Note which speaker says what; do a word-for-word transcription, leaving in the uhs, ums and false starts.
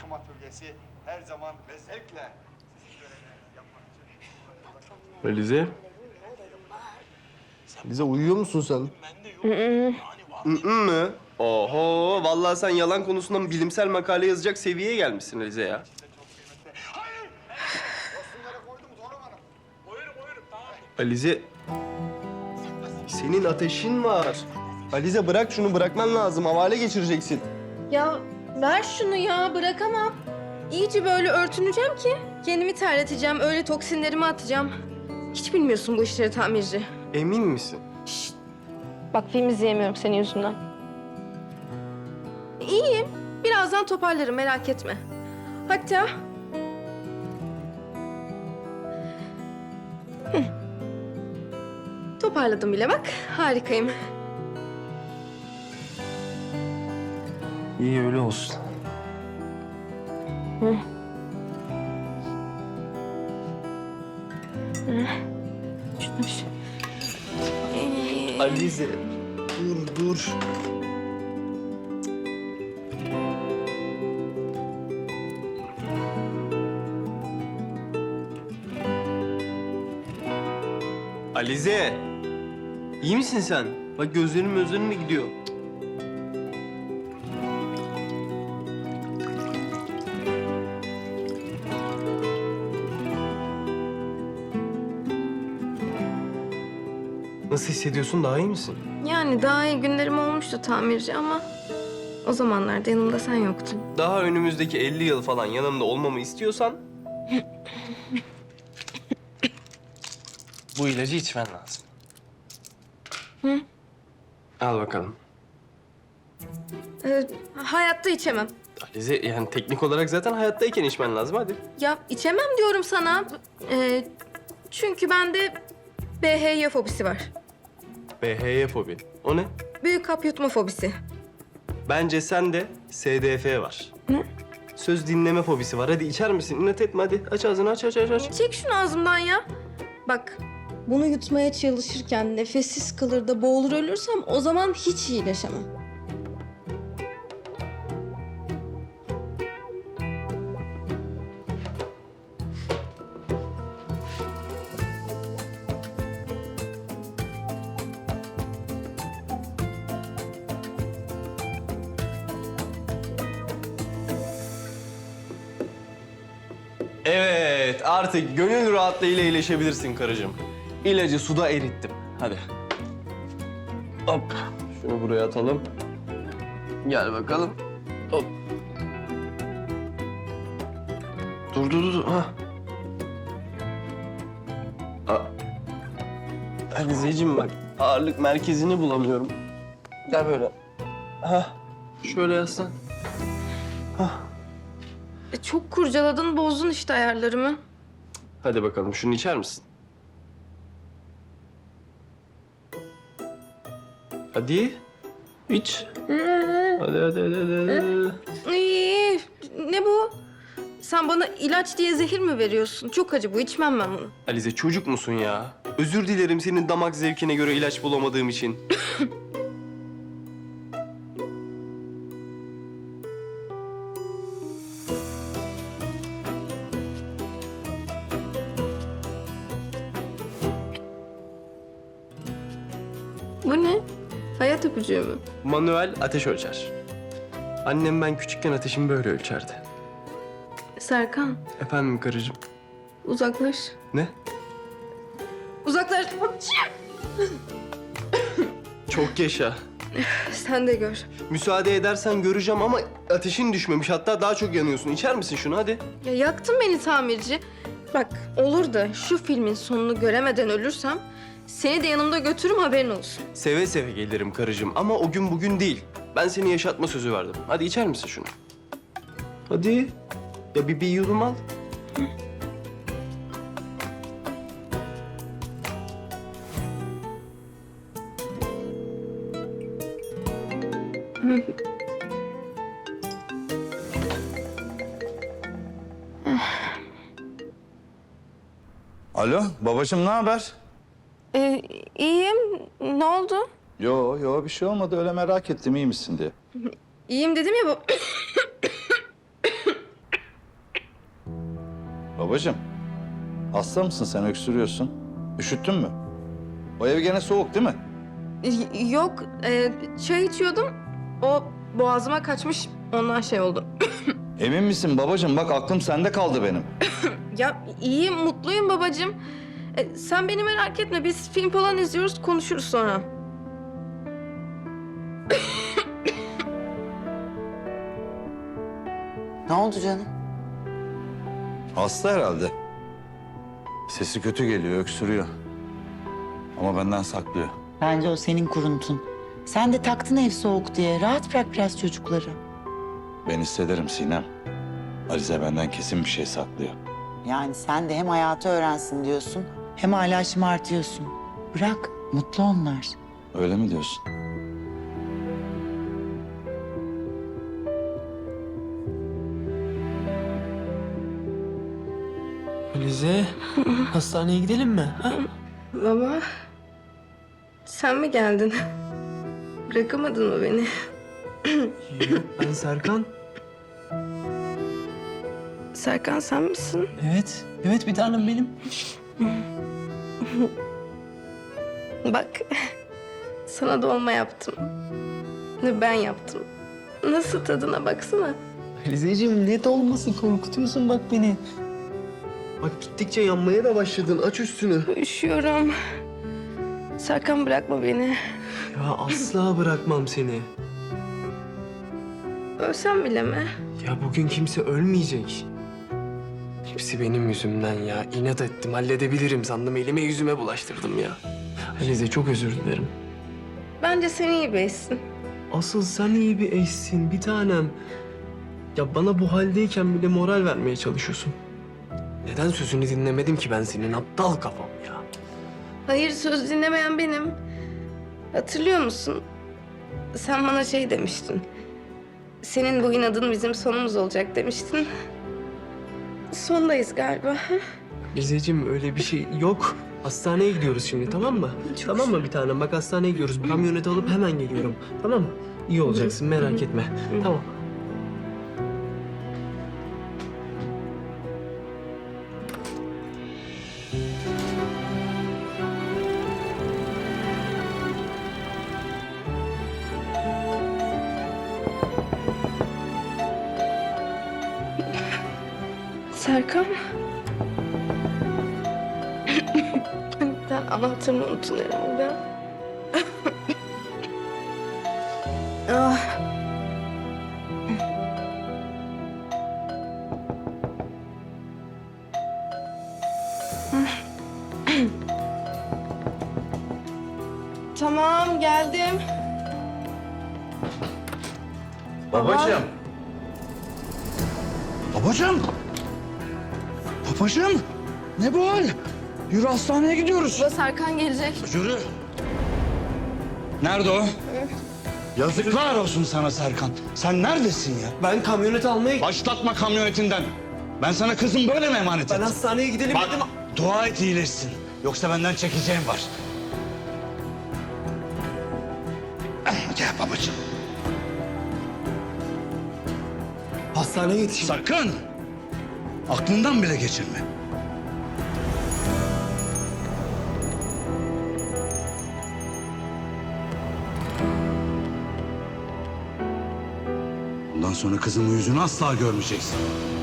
Speaker 1: bakım atölyesi her zaman ve zevkle sizin görevlerinizi yapmak için...
Speaker 2: Alize. Alize uyuyor musun sen? Hı mı? Oho, vallahi sen yalan konusunda bilimsel makale yazacak seviyeye gelmişsin Alize ya.
Speaker 1: Hayır! Yosunları koydum Zorum Hanım.
Speaker 3: Koyuyorum koyuyorum tamam.
Speaker 2: Alize, senin ateşin var. Alize bırak şunu, bırakman lazım. Havale geçireceksin.
Speaker 4: Ya ver şunu ya, bırakamam. İyice böyle örtüneceğim ki kendimi terleteceğim, öyle toksinlerimi atacağım. Hiç bilmiyorsun bu işleri tamirci.
Speaker 2: Emin misin?
Speaker 4: Bak film izleyemiyorum senin yüzünden. İyiyim. Birazdan toparlarım, merak etme. Hatta... Hı. Toparladım bile bak. Harikayım.
Speaker 2: İyi öyle olsun.
Speaker 4: Hı. Hı. Şunu şu. Ee,
Speaker 2: Alize, dur dur. Alize, iyi misin sen? Bak gözlerim gözlerim mi gidiyor? Nasıl hissediyorsun? Daha iyi misin?
Speaker 4: Yani daha iyi günlerim olmuştu tamirci ama... ...o zamanlarda yanımda sen yoktun.
Speaker 2: Daha önümüzdeki elli yıl falan yanımda olmamı istiyorsan... bu ilacı içmen lazım.
Speaker 4: Hı?
Speaker 2: Al bakalım.
Speaker 4: Ee, hayatta içemem.
Speaker 2: Alize, yani teknik olarak zaten hayattayken içmen lazım, hadi.
Speaker 4: Ya içemem diyorum sana. Ee, çünkü bende B H Y fobisi var.
Speaker 2: B H Y fobi. O ne?
Speaker 4: Büyük hap yutma fobisi.
Speaker 2: Bence sende S D F var.
Speaker 4: Ne?
Speaker 2: Söz dinleme fobisi var. Hadi içer misin? İnat etme hadi. Aç ağzını, aç, aç, aç, aç.
Speaker 4: Çek şunu ağzımdan ya. Bak, bunu yutmaya çalışırken nefessiz kalır da boğulur ölürsem o zaman hiç iyileşemem.
Speaker 2: Evet, artık gönül rahatlığıyla iyileşebilirsin karıcığım. İlacı suda erittim. Hadi. Hop. Şunu buraya atalım. Gel bakalım. Hop. Dur, dur, dur. Ha. Aa. Alizeciğim bak, ağırlık merkezini bulamıyorum. Gel böyle. Ha. Şöyle yaslan. Ha.
Speaker 4: E, çok kurcaladın, bozdun işte ayarlarımı.
Speaker 2: Hadi bakalım, şunu içer misin? Hadi. İç. Hadi, hadi, hadi, hadi.
Speaker 4: İyi, ne bu? Sen bana ilaç diye zehir mi veriyorsun? Çok acı bu, içmem ben bunu.
Speaker 2: Alize, çocuk musun ya? Özür dilerim senin damak zevkine göre ilaç bulamadığım için.
Speaker 4: Bu ne? Hayat öpücüğü mü?
Speaker 2: Manuel ateş ölçer. Annem ben küçükken ateşimi böyle ölçerdi.
Speaker 4: Serkan,
Speaker 2: Efendim karıcığım?
Speaker 4: uzaklaş.
Speaker 2: Ne?
Speaker 4: Uzaklaş.
Speaker 2: Çok yaşa.
Speaker 4: Sen de gör.
Speaker 2: Müsaade edersen göreceğim ama ateşin düşmemiş. Hatta daha çok yanıyorsun. İçer misin şunu hadi?
Speaker 4: Ya yaktın beni tamirci. Bak olur da şu filmin sonunu göremeden ölürsem... ...seni de yanımda götürürüm, haberin olsun.
Speaker 2: Seve seve gelirim karıcığım ama o gün bugün değil. Ben seni yaşatma sözü verdim. Hadi içer misin şunu? Hadi. Ya bir, bir yudum al.
Speaker 5: Alo, babacığım ne haber?
Speaker 4: Ee, iyiyim. Ne oldu?
Speaker 5: Yo, yo bir şey olmadı. Öyle merak ettim iyi misin diye.
Speaker 4: İyiyim dedim ya bu.
Speaker 5: Babacığım, hasta mısın sen, öksürüyorsun? Üşüttün mü? O ev gene soğuk değil mi?
Speaker 4: Y- Yok, e, çay içiyordum. O boğazıma kaçmış, ondan şey oldu.
Speaker 5: Emin misin babacığım? Bak aklım sende kaldı benim.
Speaker 4: Ya iyiyim, mutluyum babacığım. E, sen beni merak etme, biz film falan izliyoruz, konuşuruz sonra.
Speaker 3: Ne oldu canım?
Speaker 5: Hasta herhalde. Sesi kötü geliyor, öksürüyor. Ama benden saklıyor.
Speaker 3: Bence o senin kuruntun. Sen de taktın ev soğuk diye. Rahat bırak biraz çocukları.
Speaker 5: Ben hissederim Sinem. Alize benden kesin bir şey saklıyor.
Speaker 3: Yani sen de hem hayatı öğrensin diyorsun, hem hala şımartıyorsun. Bırak, mutlu onlar.
Speaker 5: Öyle mi diyorsun?
Speaker 6: Alize, hastaneye gidelim mi? Ha?
Speaker 4: Baba, sen mi geldin? Bırakamadın mı beni?
Speaker 6: Yok, ben Serkan.
Speaker 4: Serkan sen misin?
Speaker 6: Evet, evet bir tanem benim.
Speaker 4: Bak, sana dolma yaptım. Ben yaptım. Nasıl tadına baksana.
Speaker 6: Alizeciğim ne dolması, korkutuyorsun bak beni. Bak gittikçe yanmaya da başladın, aç üstünü.
Speaker 4: Üşüyorum. Serkan bırakma beni.
Speaker 6: Ya asla bırakmam seni.
Speaker 4: Ölsem bile mi?
Speaker 6: Ya bugün kimse ölmeyecek. Hepsi benim yüzümden ya. İnat ettim, halledebilirim sandım. Elime yüzüme bulaştırdım ya. Alize çok özür dilerim.
Speaker 4: Bence sen iyi beysin.
Speaker 6: Asıl sen iyi bir eşsin, bir tanem. Ya bana bu haldeyken bile moral vermeye çalışıyorsun. Neden sözünü dinlemedim ki ben senin aptal kafam ya?
Speaker 4: Hayır, söz dinlemeyen benim. Hatırlıyor musun? Sen bana şey demiştin. Senin bu inadın bizim sonumuz olacak demiştin. Sondayız galiba.
Speaker 6: Alizeciğim öyle bir şey yok. Hastaneye gidiyoruz şimdi, tamam mı? Tamam mı bir tanem? Bak hastaneye gidiyoruz. Kamyoneti alıp hemen geliyorum. Tamam mı? İyi olacaksın, merak etme. Tamam.
Speaker 4: Serkan. Ben anahtarını unuttun herhalde. ah. Tamam, geldim.
Speaker 5: Babacığım. Babacığım. Babacığım. Ne bu hal? Yürü hastaneye gidiyoruz.
Speaker 4: Baba, Serkan gelecek.
Speaker 5: Yürü. Nerede o? Yazıklar olsun sana Serkan. Sen neredesin ya?
Speaker 6: Ben kamyoneti almaya...
Speaker 5: Başlatma kamyonetinden. Ben sana kızım böyle mi emanet
Speaker 6: Ben
Speaker 5: ettim?
Speaker 6: hastaneye gidelim
Speaker 5: Bak,
Speaker 6: dedim.
Speaker 5: dua et iyileşsin. Yoksa benden çekeceğim var. Gel babacığım.
Speaker 6: Hastaneye yetişin.
Speaker 5: Sakın. Aklından bile geçirme. Bundan sonra kızımın yüzünü asla görmeyeceksin.